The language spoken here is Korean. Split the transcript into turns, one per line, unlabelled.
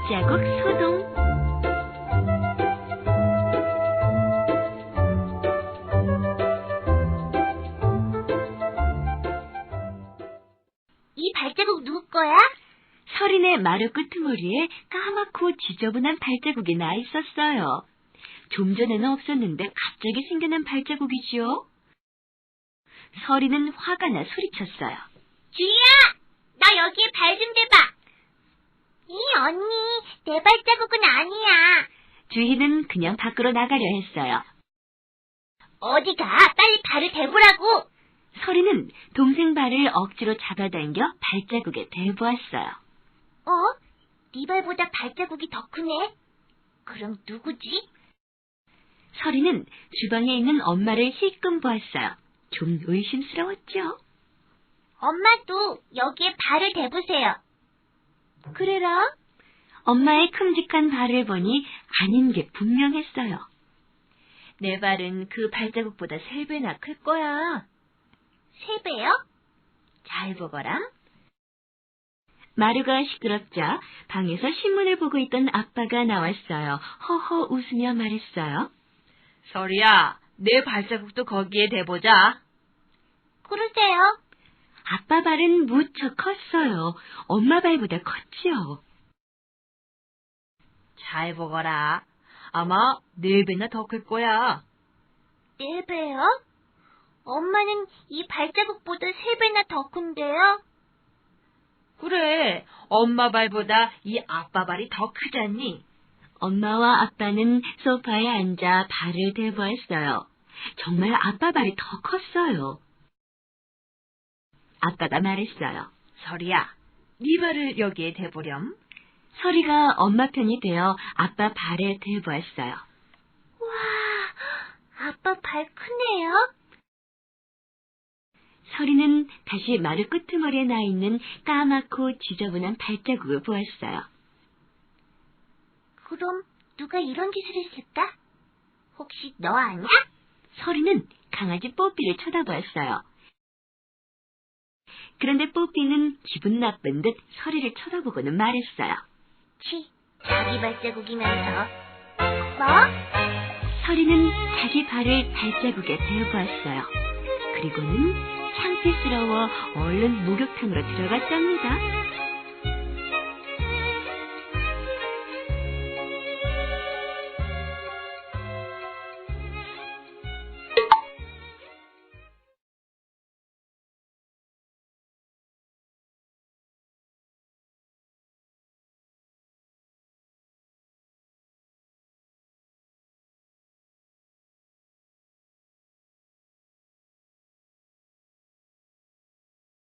발자국 소동.
이 발자국 누구 거야?
서린의 마루 끄트머리에 까맣고 지저분한 발자국이 나 있었어요. 좀 전에는 없었는데 갑자기 생겨난 발자국이지요. 서린은 화가 나 소리쳤어요.
주희야! 나 여기에 발 좀 대봐! 이 언니, 내 발자국은 아니야.
주희는 그냥 밖으로 나가려 했어요.
어디가? 빨리 발을 대보라고!
서린은 동생 발을 억지로 잡아당겨 발자국에 대보았어요.
네 발보다 발자국이 더 크네? 그럼 누구지?
서린은 주방에 있는 엄마를 힐끔 보았어요. 좀 의심스러웠죠.
엄마도 여기에 발을 대보세요.
그래라? 엄마의 큼직한 발을 보니 아닌 게 분명했어요. 내 발은 그 발자국보다 3배나 클 거야.
3배요?
잘 보거라. 마루가 시끄럽자 방에서 신문을 보고 있던 아빠가 나왔어요. 허허 웃으며 말했어요.
서리야, 내 발자국도 거기에 대보자.
그러세요.
아빠 발은 무척 컸어요. 엄마 발보다 컸지요.
잘 보거라. 아마 4배나 더 클 거야.
4배요? 엄마는 이 발자국보다 3배나 더 큰데요?
그래, 엄마 발보다 이 아빠 발이 더 크잖니?
엄마와 아빠는 소파에 앉아 발을 대보았어요. 정말 아빠 발이 더 컸어요. 아빠가 말했어요.
서리야, 네 발을 여기에 대보렴.
서리가 엄마 편이 되어 아빠 발에 대보았어요.
와, 아빠 발 크네요?
서리는 다시 마루 끄트머리에 나 있는 까맣고 지저분한 발자국을 보았어요.
그럼 누가 이런 짓을 했을까? 혹시 너 아냐?
서리는 강아지 뽀삐를 쳐다보았어요. 그런데 뽀삐는 기분 나쁜 듯 서리를 쳐다보고는 말했어요.
치, 자기 발자국이면서. 뭐?
서리는 자기 발을 발자국에 대보았어요. 그리고는 창피스러워 얼른 목욕탕으로 들어갔답니다.